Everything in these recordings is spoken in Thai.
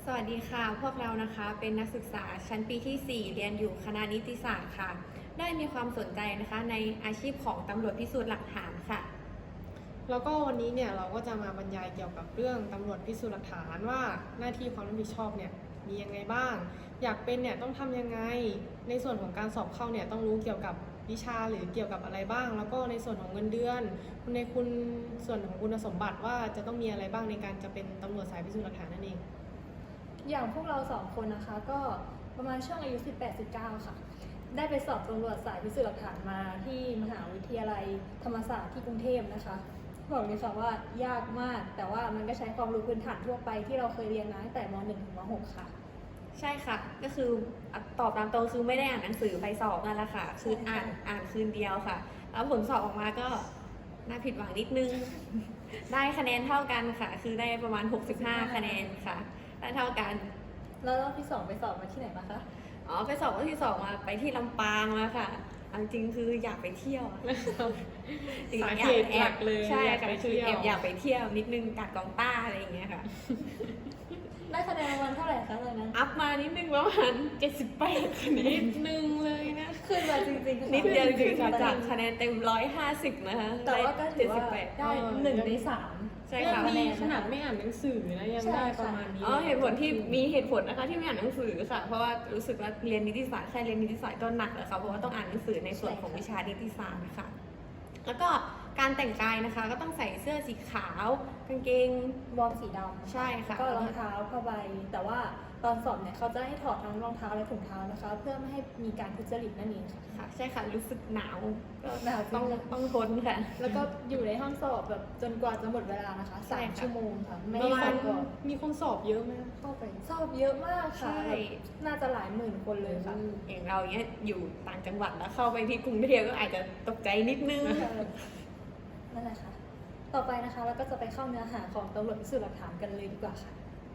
สวัสดีค่ะพวกเรานะคะเป็นนักศึกษาชั้นปีที่ 4 เรียนอยู่คณะนิติศาสตร์ค่ะได้มีความสนใจนะคะในอาชีพของตำรวจพิสูจน์หลักฐานค่ะแล้วก็วันนี้เนี่ยเราก็จะมาบรรยายเกี่ยวกับเรื่องตำรวจพิสูจน์หลักฐานว่าหน้าที่ความรับผิดชอบเนี่ยมียังไงบ้าง อยากเป็นเนี่ยต้องทำยังไงในส่วนของการสอบเข้าเนี่ยต้องรู้เกี่ยวกับวิชาหรือเกี่ยวกับอะไรบ้าง แล้วก็ในส่วนของเงินเดือนในส่วนของคุณสมบัติว่าจะต้องมีอะไรบ้างในการจะเป็นตำรวจสายพิสูจน์หลักฐานนั่นเองอย่างพวกเราสองคนนะคะก็ประมาณช่วงอายุ 18-19 ค่ะได้ไปสอบตำรวจสายพิสูจน์หลักฐานมาที่มหาวิทยาลัยธรรมศาสตร์ที่กรุงเทพนะคะบอกเลยค่ะว่ายากมากแต่ว่ามันก็ใช้ความรู้พื้นฐานทั่วไปที่เราเคยเรียนมาตั้งแต่ม .1 ถึงม .6 ค่ะใช่ค่ะก็คือตอบตามตรงคือไม่ได้อ่านหนังสือไปสอบนั่นแหละค่ะคืออ่านคืนเดียวค่ะแล้วผลสอบออกมาก็น่าผิดหวังนิดนึงได้คะแนนเท่ากันค่ะคือได้ประมาณ65คะแนนค่ะได้เท่ากันแล้วรอบที่2ไปสอบมาที่ไหนมาคะไปสอบรอบที่2มาไปที่ลำปางมาค่ะจริงคืออยากไปเที่ยวสาเหตุหลักเลยใช่ค่ะคืออยากไปเที่ยวนิดนึงกัดกองต้าอะไรอย่างเงี้ยค่ะได้คะแนนรางวัลเท่าไหร่คะตอนนั้นอัพมานิดนึงประมาณ78คะแนนนิดนึงเลยนะขึ้นมาจริงๆนิดเดียวจริงๆจากคะแนนเต็ม150นะคะแต่ว่าก็ถือว่าได้1 ใน 3 ใช่ค่ะนี่ขนาดไม่อ่านหนังสือนะยังได้ประมาณนี้เหตุผลที่มีเหตุผลนะคะที่ไม่อ่านหนังสือค่ะเพราะว่ารู้สึกว่าเรียนนิติศาสตร์แค่เรียนนิติศาสตร์ก็หนักแล้วค่ะเพราะว่าต้องอ่านหนังสือในส่วนของวิชานิติศาสตร์ค่ะแล้วก็การแต่งกายนะคะก็ต้องใส่เสื้อสีขาวกางเกงวอร์มสีดำใช่ค่ะก็รองเท้าผ้าใบแต่ว่าตอนสอบเนี่ยเขาจะให้ถอดทั้งรองเท้าและถุงเท้านะคะเพื่อไม่ให้มีการทุจริตนั่นเองค่ะใช่ค่ะรู้สึกหนาวก็หนาวต้องทนค่ะแล้วก็อยู่ในห้องสอบแบบจนกว่าจะหมดเวลานะคะ3 ชั่วโมงค่ะไม่มีคนสอบเยอะไหมเข้าไปสอบเยอะมากค่ะน่าจะหลายหมื่นคนเลยค่ะอย่างเราเนี้ยอยู่ต่างจังหวัดแล้วเข้าไปที่กรุงเทพก็อาจจะตกใจนิดนึงนั่นแหละค่ะต่อไปนะคะเราก็จะไปเข้าเนื้อหาของตำรวจพิสูจน์หลักฐานกันเลยดีกว่าค่ะ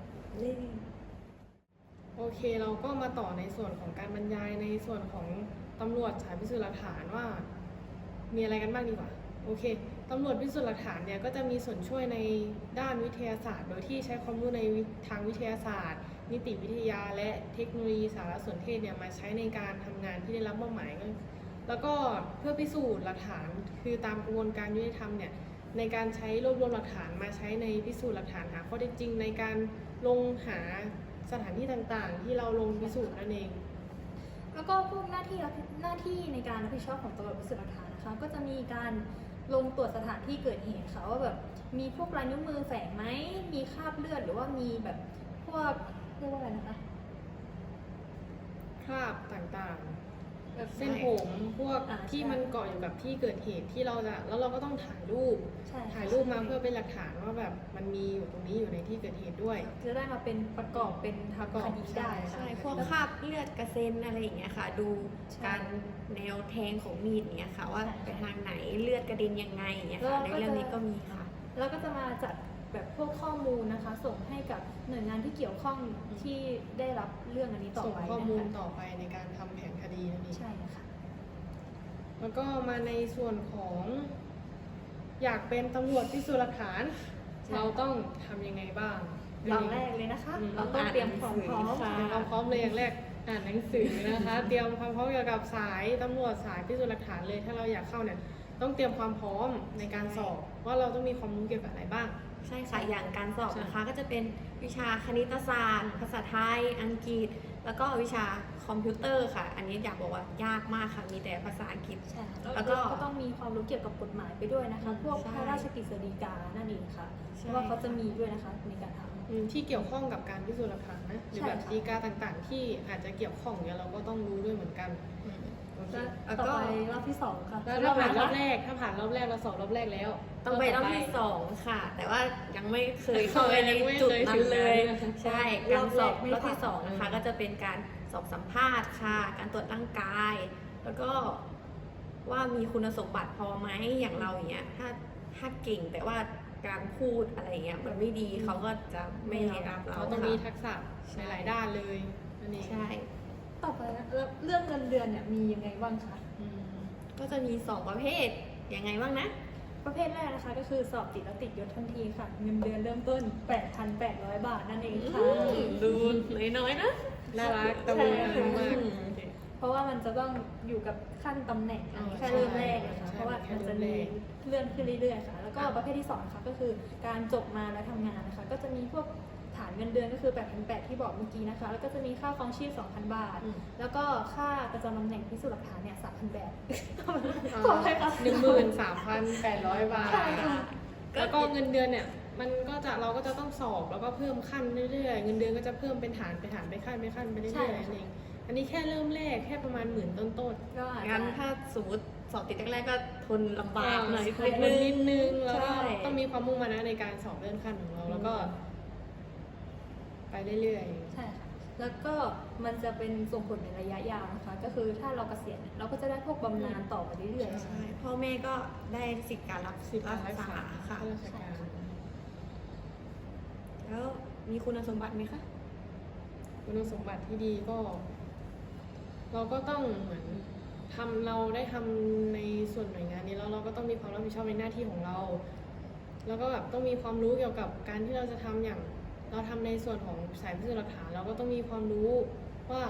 โอเคเราก็มาต่อในส่วนของการบรรยายในส่วนของตำรวจสายพิสูจน์หลักฐานว่ามีอะไรกันบ้างดีกว่าโอเคตำรวจพิสูจน์หลักฐานเนี่ยก็จะมีส่วนช่วยในด้านวิทยาศาสตร์ โดยที่ใช้ความรู้ในทางวิทยาศาสตร์ นิติวิทยาและเทคโนโลยีสารสนเทศเนี่ยมาใช้ในการทำงานที่ได้รับมอบหมายแล้วก็เพื่อพิสูจน์หลักฐานคือตามกระบวนการยุติธรรมเนี่ยในการใช้รวบรวมหลักฐานมาใช้ในพิสูจน์หลักฐานหาข้อเท็จจริงในการลงหาสถานที่ต่างๆที่เราลงพิสูจน์นั่นเองแล้วก็พวกหน้าที่ในการรับผิดชอบของตำรวจพิสูจน์หลักฐานนะคะก็จะมีการลงตรวจสถานที่เกิดเหตุค่ะว่าแบบมีพวกลายนิ้วมือแฝงไหมมีคราบเลือดหรือว่ามีแบบพวกเรียกว่าอะไรนะคะคราบต่างๆเส้นผมพวกที่มันเกาะอยู่กับที่เกิดเหตุที่เราจะแล้วเราก็ต้องถ่ายรูปมาเพื่อเป็นหลักฐานว่าแบบมันมีอยู่ตรงนี้อยู่ในที่เกิดเหตุด้วยจะได้มาเป็นประกอบเป็นทางคดีได้ใช่พวกคราบเลือดกระเซ็นอะไรอย่างเงี้ยค่ะดูการแนวแทงของมีดเนี้ยค่ะว่าไปทางไหนเลือดกระเด็นยังไงอย่างเงี้ยค่ะในเรื่องนี้ก็มีค่ะแล้วก็จะมาจัดแบบพวกข้อมูลนะคะส่งให้กับหน่วยงานที่เกี่ยวข้องที่ได้รับเรื่องอันนี้ต่อไปส่งข้อมูลต่อไปในการทำแผนคดีนั่นเองใช่ค่ะแล้วก็มาในส่วนของอยากเป็นตำรวจพิสูจน์หลักฐานเราต้องทำยังไงบ้างอย่างแรกเลยนะคะเราต้องเตรียมความพร้อมเลยอย่างแรกอ่านหนังสือนะคะเตรียมความพร้อมเกี่ยวกับสายตำรวจสายพิสูจน์หลักฐานเลยถ้าเราอยากเข้าเนี่ยต้องเตรียมความพร้อมในการสอบว่าเราต้องมีความรู้เกี่ยวกับอะไรบ้างใช่ค่ะอย่างการสอบนะคะก็จะเป็นวิชาคณิตศาสตร์ภาษาไทยอังกฤษแล้วก็วิชาคอมพิวเตอร์ค่ะอันนี้อยากบอกว่ายากมากค่ะมีแต่ภาษาอังกฤษใช่แล้วก็ต้องมีความรู้เกี่ยวกับกฎหมายไปด้วยนะคะพวกพระราชกฤษฎีกานั่นเองค่ะเพราะว่าเขาจะมีด้วยนะคะในการทำที่เกี่ยวข้องกับการพิสูจน์หลักฐานนะหรือแบบฎีกาต่างๆที่อาจจะเกี่ยวข้องเนี่ยเราก็ต้องรู้ด้วยเหมือนกันต่อไปรอบที่2ค่ะถ้าผ่านรอบแรกเราสอบรอบแรกแล้วต้องไปรอบที่2ค่ะแต่ว่ายังไม่เคยเข้าไปในจุดนั้นเลยใช่การสอบรอบที่2นะคะก็จะเป็นการสอบสัมภาษณ์ค่ะการตรวจร่างกายแล้วก็ว่ามีคุณสมบัติพอไหมอย่างเราอย่างเงี้ยถ้าเก่งแต่ว่าการพูดอะไรเงี้ยมันไม่ดีเขาก็จะไม่รับเราต้องมีทักษะในหลายด้านเลยนั่นเองใช่ต่อไปเรื่องเงินเดือนเนี่ยมียังไงบ้างคะก็จะมี2ประเภทยังไงบ้างนะประเภทแรกนะคะก็คือสอบติดแล้วติดยศทันทีค่ะเงินเดือนเริ่มต้น 8,800 บาทนั่นเองค่ะดูน้อยๆนะน่ารักตะมุตะมากเพราะว่ามันจะต้องอยู่กับขั้นตำแหน่งอ๋อแค่เริ่มแรกนะคะใช่เพราะว่าแค่มันเริ่จะมแรมีกเลื่อนขึ้นเรื่อยๆค่ะ แล้วก็ประเภทที่2ค่ะก็คือการจบมาแล้วทำงานนะคะ ก็จะมีพวกฐานเงินเดือนก็คือ 8,800 ที่บอกเมื่อกี้นะคะ แล้วก็จะมีค่าครองชีพ 2,000 บาทอืมแล้วก็ค่าประจำตำแหน่งพิสูจน์หลักฐานเนี่ย 3,000 บาทอ่าขอให้ค่ะ 13,800 บาทใช่ค่ะแล้วก็เงินเดือนเนี่ยมันก็จะเราก็จะต้องสอบแล้วก็เพิ่มขั้นเรื่อยๆเงินเดือนก็จะเพิ่มเป็นฐานไปขั้นไปขั้นไปเรื่ใช่อยๆค่ะนั่นเองอันนี้แค่เริ่มแรกแค่ประมาณ10,000ต้นก็อาจงั้นจะถ้าสมมติสอบติดแรกๆก็ทนลำบากหน่อยใช่นิดนึงแล้วก็ใช่ต้องมีความมุ่งมั่นนะในการสอบเลื่อนขั้นของเราแล้วก็ ไปเรื่อยใช่ค่ะ แล้วก็มันจะเป็นส่งผลในระยะยาวนะคะ ก็คือถ้าเราเกษียณเนี่ยเราก็จะได้พวกบำนาญต่อไปเรื่อยๆใช่พ่อแม่ก็ได้สิทธิการรับๆสิบการรักษาค่ะข้าราชการแล้วมีคุณสมบัติไหมคะคุณสมบัติที่ดีก็ เราก็ต้องเหมือนเราได้ทำในส่วนหน่วยงานนี้แล้วเราก็ต้องมีความรับผิดชอบในหน้าที่ของเรา แล้วก็แบบต้องมีความรู้เกี่ยวกับการที่เราจะทำอย่าง เราทำในส่วนของสายพิสูจน์หลักฐานเราก็ต้องมีความรู้ว่า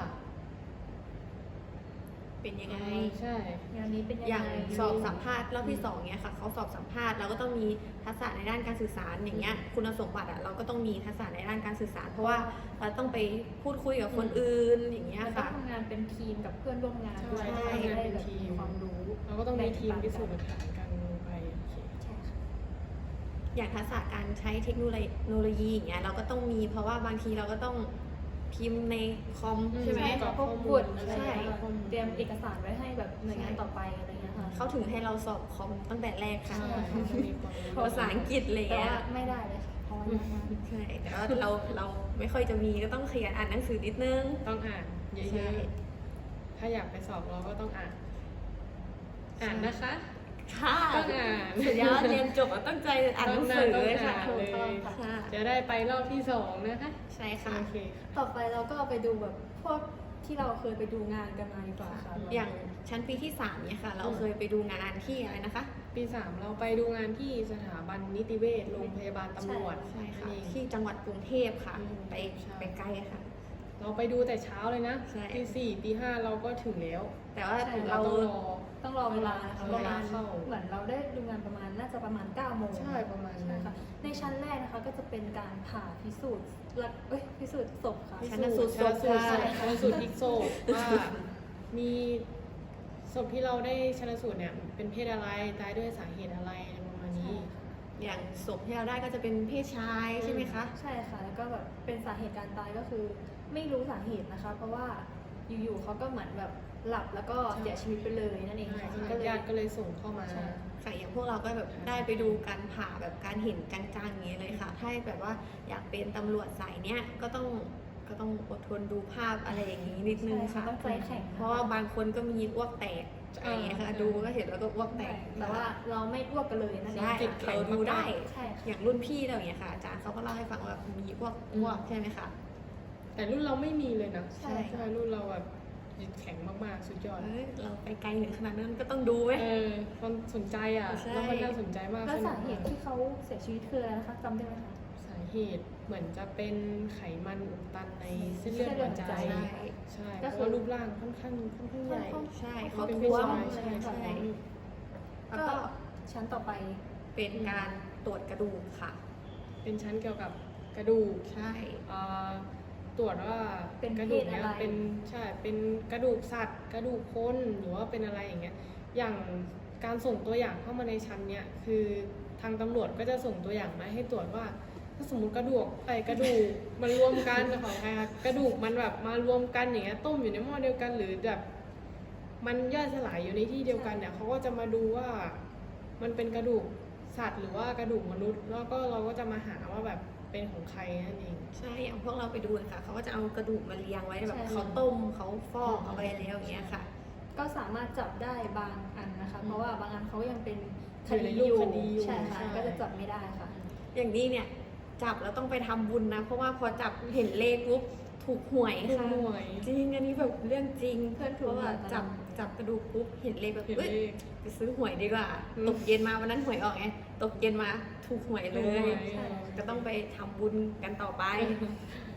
เป็นยังไงใช่งานนี้เป็นยังอย่างไงสอบสัมภาษณ์รอบที่2เนี่ยค่ะเขาสอบสัมภาษณ์เราก็ต้องมีทักษะในด้านการสื่อสารอย่างเงี้ยคุณสมบัติเราก็ต้องมีทักษะในด้านการสื่อสาร เพราะว่าเราต้องไปพูดคุยกับคนอื่นอย่างเงี้ยมันต้องค่ะทำงานเป็นทีมกับเพื่อนร่วมงานด้วยใช่จะได้แบบทำงานเป็นทีมมีความรู้เราก็ต้องมีทีมพิสูจน์หลักฐานกันไปโอเคใช่ค่ะอย่างทักษะการใช้เทคโนโลยีอย่างเงี้ยเราก็ต้องมีเพราะว่าบางทีเราก็ต้องพิมพ์ในคอมใช่ไหมใช่ค่ะพวกข้อมูลบทอะไรใช่ข้อมูลเตรียมเอกสารไว้ให้แบบหน่วยงานต่อไปอะไรเงี้ยค่ะเขาถึงให้เราสอบคอมตั้งแต่แรกค่ะใช่ค่ะต้องมีความรู้ภาษาอังกฤษอะไรแต่เงี้ยว่าไม่ได้เลยค่ะเพราะว่ายากมากใช่แต่ว่าเราไม่ค่อยจะมีก็ต้องขยันอ่านหนังสือนิดนึงต้องอ่านเยใช่อะๆถ้าอยากไปสอบเราก็ต้องอ่าน อ่านนะคะค่ะต้องอ่านสุดยอดเรียนจบแล้วตั้งใจอ่านหนังสือเลยค่ะต้องถูกอ่านต้องเลยค่ะจะได้ไปรอบที่2นะคะใช่ค่ะโอเคค่ะต่อไปเราก็ไปดูแบบพวกที่เราเคยไปดูงานกันมาดีกว่าค่ะอย่างชั้นปีที่3เนี่ยค่ะ เราเคยไปดูงานที่อะไรนะคะปี 3 เราไปดูงานที่สถาบันนิติเวชโรงพยาบาลตำรวจใช่ค่ะนั่นเองที่จังหวัดกรุงเทพค่ะอืมไปใช่ไปไกลค่ะเราไปดูแต่เช้าเลยนะใช่ตี 4ตี 5เราก็ถึงแล้วแต่ว่าใช่เราต้องรอต้องรอเวลานะคะเวประลามาณเข้าเหมือนเราได้ดูงานประมาณน่าจะประมาณ9โมงใช่ประมาณนั้นใช่ค่ะในชั้นแรกนะคะก็จะเป็นการผ่าพิสูจน์พิสูจน์ศพค่ะชันสูตรศพชันสูตรพลิกศพว่ามีศพที่เราได้ชันสูตรเนี่ยเป็นเพศอะไรตายด้วยสาเหตุอะไรอะไรประมาณนี้อย่างศพที่เราได้ก็จะเป็นเพศชายใช่ไหมคะใช่ค่ะ แล้วก็แบบเป็นสาเหตุการตายก็คือไม่รู้สาเหตุนะคะ เพราะว่าอยู่ๆเขาก็เหมือนแบบหลับแล้วก็เสียชีวิตไปเลยนั่นเองค่ะก็เลยญาติก็เลยส่งเข้ามาใช่ค่ะอย่างพวกเราก็แบบได้ไปดูการผ่าแบบการเห็นจังๆอย่างนี้เลยค่ะ ถ้าแบบว่าอยากเป็นตำรวจสายเนี้ยก็ต้องอดทนดูภาพอะไรอย่างนี้นิดนึงค่ะต้องใจแข็งเพราะว่าบางคนก็มีอ้วกแตกอะไรอย่างเงี้ยค่ะ ดูก็เห็นแล้วก็อ้วกแตกแต่ว่าเราไม่อ้วกกันเลยนั่นเองใช่จิตแข็งเราดูได้ใช่ค่ะอย่างรุ่นพี่เราอย่างเงี้ยค่ะอาจารย์เขาก็เล่าให้ฟังว่ามีอ้วกใช่ไหมคะแต่รุ่นเราไม่มีเลยนะใช่ใช่รุ่นเราแบบจิตแข็งมากๆสุดยอดเอ้ยเราไปไกลถึงขนาดนั้นก็ต้องดูไหมความสนใจอ่ะใช่แล้วมันน่าสนใจมากแล้วสนุสาก เหตุที่เขาเสียชีวิตคืออะไรนะคะจำได้ไหมคะสาเหตุเหมือนจะเป็นไขมันอุดตันในเส้นเลือดหัวใจใช่ใช่ก็เพคือราะว่ารูปร่างค่อนข้างใหญ่ใช่เขาเป็นท้วมผู้ชายใช่ใช่แล้วก็ก็ชั้นต่อไปเป็นการตรวจกระดูกค่ะเป็นชั้นเกี่ยวกับกระดูกใช่อ่าตรวจว่าเป็นกระดูกเพศเนี้ยอะไรเป็นกระดูกสัตว์ กระดูกคนหรือว่าเป็นอะไรอย่างเงี้ยอย่างการส่งตัวอย่างเข้ามาในชั้นเนี้ยคือทางตำรวจก็จะส่งตัวอย่างมาให้ตรวจว่า ถ้าสมมติกระดูกมันรวมกันของใครคะกระดูกมันแบบมารวมกันอย่างเงี้ยต้มอยู่ในหม้อเดียวกันหรือแบบมันย่อยสลายอยู่ในที่เดียวกันเนี่ยเขาก็จะมาดูว่ามันเป็นกระดูกสัตว์หรือว่ากระดูกมนุษย์ แล้วก็เราก็จะมาหาว่าแบบเป็นของใครนั่นเองใช่อย่างพวกเราไปดูนะคะเขาก็จะเอากระดูกมาเรียงไว้แบบใช่เขาต้มเขาฟอกเอาไว้แล้วอย่างเงี้ยค่ะก็สามารถจับได้บางอันนะคะ เพราะว่าบางอันเขายังเป็นคอยู่ดีในอรูปยู่คดีอยู่ใช่ค่ะใช่ก็จะจับไม่ได้ค่ะอย่างนี้เนี่ยจับแล้วต้องไปทำบุญนะ เพราะว่าพอจับเห็นเลขปุ๊บถูกหวยถูกค่ะหวยจริงอันนี้แบบเรื่องจริงเพื่อนถูกเพราะว่าหวยจับกระดูกปุ๊บเห็นเลขแบบเห็นเอ้ยเลขไปซื้อหวยดีกว่าอืมตกเย็นมาวันนั้นหวยออกไงตกเย็นมาถูกหวยเลถูกหยวยใช่ก็ต้องไปทำบุญกันต่อไปแ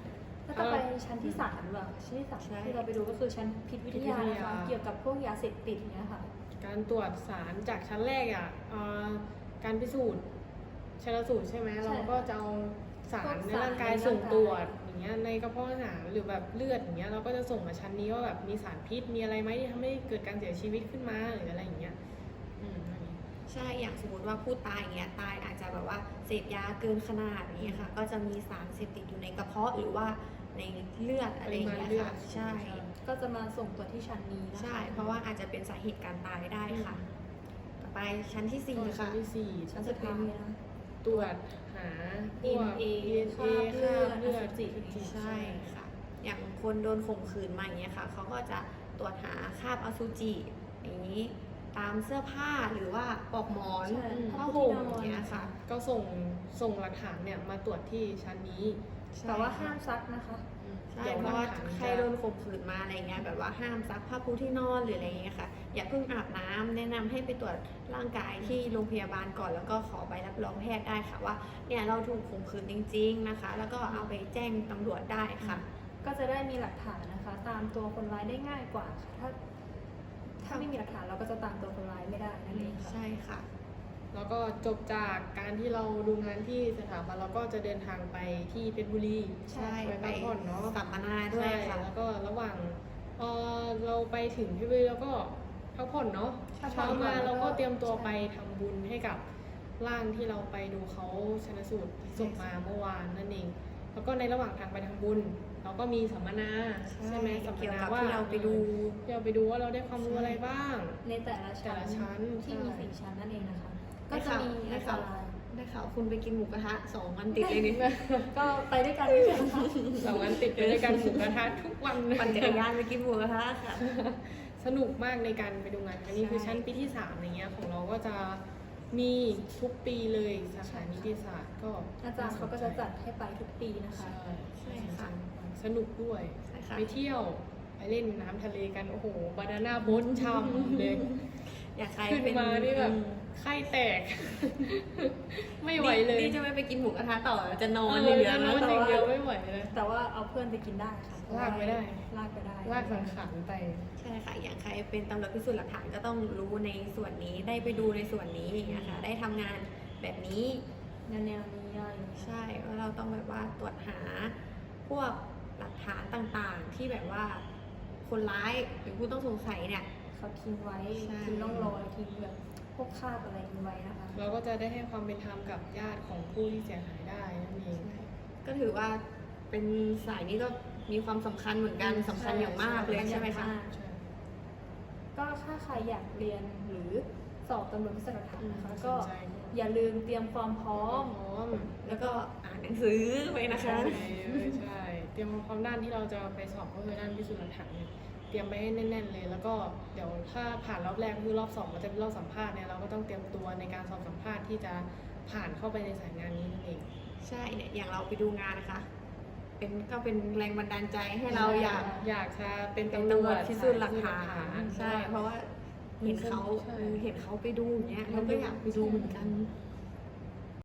ก็จะไปชั้นที่3หรือเปล่าชั้นที่ใช่ 3ที่เราไปดูก็คือชั้นพิษวิทยานะคะเกี่ยวกับพวกยาเสพติดเนี่ยค่ะการตรวจสารจากชั้นแรกการพิสูจน์ชันสูตรใช่ไหมใช่เราก็จะเอาสารในพวกสารร่างกายในร่างกายส่งตรวจอย่างเงี้ยในกระเพาะอาหารหรือแบบเลือดอย่างเงี้ยเราก็จะส่งมาชั้นนี้ว่าแบบมีสารพิษมีอะไรไหมที่ทำให้เกิดการเสียชีวิตขึ้นมาหรืออะไรอย่างเงี้ยอันนี้ใช่ อย่างสมมติว่าผู้ตายอย่างเงี้ยตายอาจจะแบบว่าเสพยาเกินขนาดนี้ค่ะ ก็จะมีสารเสพติดอยู่ในกระเพาะหรือว่าในเลือดอะไรอย่างเงี้ยปริมาณเลือค่ะดใช่ก็จะมาส่งตรวจที่ชั้นนี้นะคะใช่ เพราะว่าอาจจะเป็นสาเหตุการตายได้ค่ะ ต่อไปชั้นที่ก็ 4 ชั้ค่ะนที่สี่ชั้นสุดท้ายนะตรวจหาพวก DNA DNA คราบเลือดคราบเลือดอสุจิใช่ค่ะ อย่างคนโดนข่มขืนมาอย่างเงี้ยค่ะ เขาก็จะตรวจหาคราบอสุจิอย่างนี้ ตามเสื้อผ้าหรือว่าปลอกหมอนใช่ผ้าห่มอย่างเงี้ยค่ะก็ส่งหลักฐานเนี่ยมาตรวจที่ชั้นนี้แต่ว่าห้ามซักนะคะใช่ดี๋ยเพราะว่าหลักฐนใครโดนข่มขืนมาอะไรเงี้ยแบบว่าห้ามซักผ้าปูที่นอนหรืออะไรเงี้ยค่ะ อย่าเพิ่งอาบน้ำแนะนำให้ไปตรวจร่างกายที่โรงพยาบาลก่อน แล้วก็ขอใบรับรองแพทย์ได้ค่ะว่าเนี่ยเราถูกข่มขืนจริง ๆนะคะ แล้วก็เอาไปแจ้งตำรวจได้ค่ะก็จะได้มีหลักฐานนะคะ ตามตัวคนร้ายได้ง่ายกว่าค่ะถ้าไม่มีหลักฐานเราก็จะตามตัวคนร้ายไม่ได้นั่นเองค่ะใช่ค่ะแล้วก็จบจากการที่เราดูงานที่สถาบันเราก็จะเดินทางไปที่เพชรบุรีใช่ไปไปพักผ่อนเนาะสัมมนาด้วยใช่ค่ะแล้วก็ระหว่างเราไปถึงเพชรบุรีแล้วก็พักผ่อนเนาะพักผ่อนเช้ามาเราก็เตรียมตัวใช่ไปทำบุญให้กับร่างที่เราไปดูเขาชนสูตรศพมาเมื่อวานนั่นเอง แล้วก็ในระหว่างทางไปทำบุญ เราก็มีสัมมนาใช่ไหมสัมมเกี่ยวนากับว่าที่เราไปดูที่เราไปดูว่าเราได้ความรู้อะไรบ้างในแต่ละชั้นแต่ละชั้นที่มีใช่ 4 ชั้นนั่นเองนะคะได้ก็จะข่าวมีได้อันตข่าวรายได้ข่าวคุณไปกินหมูกระทะ2 วันติดเลยนี่ก็ไปด้วยกันไม่ใช่เหรอคะ 2 วันติดไปด้วยกันหมูกระทะทุกวันปั่นจักรยานไปกินหมูกระทะค่ะสนุกมากในการไปดูงานครั้งนี้ใช่คือชั้นปีที่3อย่างเงี้ยของเราก็จะมีทุกปีเลยสาขานิติศาสตร์ก็อาจารย์เขาก็จะจัดให้ไปทุกปีนะคะใช่ใช่ค่ะสนุกด้วยใช่ค่ะไปเที่ยวไปเล่นน้ำทะเลกันโอ้โหบานาน่าโบ๊ทช่ำเลยอยากใครขึ้นเป็นมานี่แบบไข้แตก ไม่ไหวเลยนี่จะไม่ไปกินหมูกระทะต่อจะนอนอจะย่างเดียวนอนนะอย่างเดียวไม่ไหวเลยแต่ว่าเอาเพื่อนไปกินได้ค่ะลากไปได้ลากไปได้ลากสังขารไปใช่ค่ะ อย่างใครเป็นตำรวจพิสูจน์หลักฐานก็ต้องรู้ในส่วนนี้ ได้ไปดูในส่วนนี้นะคะ ได้ทำงานแบบนี้แนวนี้อะไรอย่างเงี้ยใช่ว่าเราต้องแบบว่าตรวจหาพวกหลักฐานต่างๆ ที่แบบว่าคนร้ายหรือผู้ต้องสงสัยเนี่ยเขาทิ้งไว้ใช่ทิ้งร่องรอยทิ้งแบบพวกคราบอะไรทิ้งไว้นะคะเราก็จะได้ให้ความเป็นธรรมกับญาติของผู้ที่เสียหายได้นั่นเองก็ถือว่าเป็นสายนี้ก็มีความสำคัญเหมือนกันสำคัญอย่างมากเลยใช่ไหมคะใช่ก็ถ้าใครอยากเรียนหรือสอบตำรวจพิสูจน์หลักฐานนะคะ ก็สนใจอย่าลืมเตรียมความพร้อมพร้อมแล้วก็อ่านหนังสือไปนะคะใช่ เตรียมความด้านที่เราจะไปสอบก็คือด้านพิสูจน์หลักฐานเนี่ยเตรียมไปให้แน่นๆเลย แล้วก็เดี๋ยวถ้าผ่านรอบแรกคือรอบ2มันจะเป็นรอบสัมภาษณ์เนี่ยเราก็ต้องเตรียมตัวในการสอบสัมภาษณ์ที่จะผ่านเข้าไปในสายงานนี้นั่นเองใช่เนี่ยอย่างเราไปดูงานนะคะ ก็เป็นแรงบันดาลใจให้เราอยากอยากจะเป็นเป็นตำรตำรววจจพิสูจน์หลักฐานใช่ใช่ เพราะว่าเห็นเขาใช่เห็นเขาไปดูอย่างเงี้ยเราก็อยากไปดูเหมือนกันใ